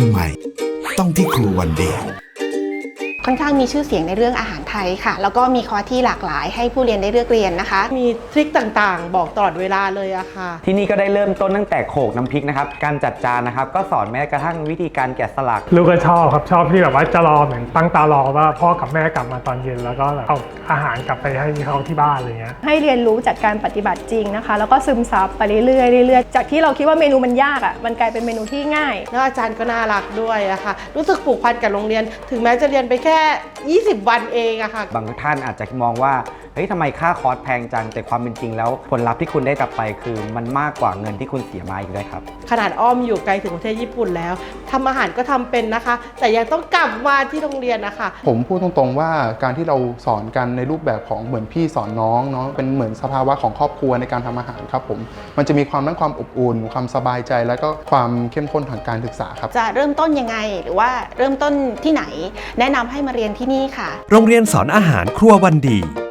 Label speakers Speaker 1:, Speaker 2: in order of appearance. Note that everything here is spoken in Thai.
Speaker 1: ำไมต้องที่ครูวันเดย์
Speaker 2: ค่อนข้างมีชื่อเสียงในเรื่องอาหารไทยค่ะแล้วก็มีคอร์สที่หลากหลายให้ผู้เรียนได้เลือกเรียนนะคะ
Speaker 3: มีทริคต่างๆบอกตลอดเวลาเลยอะค่ะ
Speaker 4: ที่นี่ก็ได้เริ่มต้นตั้งแต่โขลกน้ำพริกนะครับการจัดจานนะครับก็สอนแม้กระทั่งวิธีการแกะสลัก
Speaker 5: ลูกก็ชอบครับชอบที่แบบว่าจะรอเหมือนตั้งตารอว่าพ่อกับแม่กลับมาตอนเย็นแล้วก็เอาอาหารกลับไปให้เขาที่บ้านอะไรเงี้ย
Speaker 6: ให้เรียนรู้จากการปฏิบัติจริงนะคะแล้วก็ซึมซับไปเรื่อยๆจากที่เราคิดว่าเมนูมันยากมันกลายเป็นเมนูที่ง่าย
Speaker 3: แล้วอาจารย์ก็น่ารักด้วยอะค่ะรู้สึกผูกพันกับโรงเรียนถึงแม้จะเรียนไปแค่20 วันเองอะค่ะ
Speaker 4: บางท่านอาจจะมองว่าเฮ้ยทำไมค่าคอร์สแพงจังแต่ความเป็นจริงแล้วผลลัพธ์ที่คุณได้กลับไปคือมันมากกว่าเงินที่คุณเสียมาอีกด้วยครับ
Speaker 3: ขนาดอ้อมอยู่ไกลถึงประเทศญี่ปุ่นแล้วทำอาหารก็ทำเป็นนะคะแต่ยังต้องกลับมาที่โรงเรียนนะคะ
Speaker 7: ผมพูดตรงๆว่าการที่เราสอนกันในรูปแบบของเหมือนพี่สอนน้องเนาะเป็นเหมือนสภาวะของครอบครัวในการทำอาหารครับผมมันจะมีความทั้งความอบอุ่นความสบายใจแล้วก็ความเข้มข้นทางการศึกษาครับ
Speaker 2: จะเริ่มต้นยังไงหรือว่าเริ่มต้นที่ไหนแนะนำให้มาเรียนที่นี่ค่ะ
Speaker 8: โรงเรียนสอนอาหารครัววันดี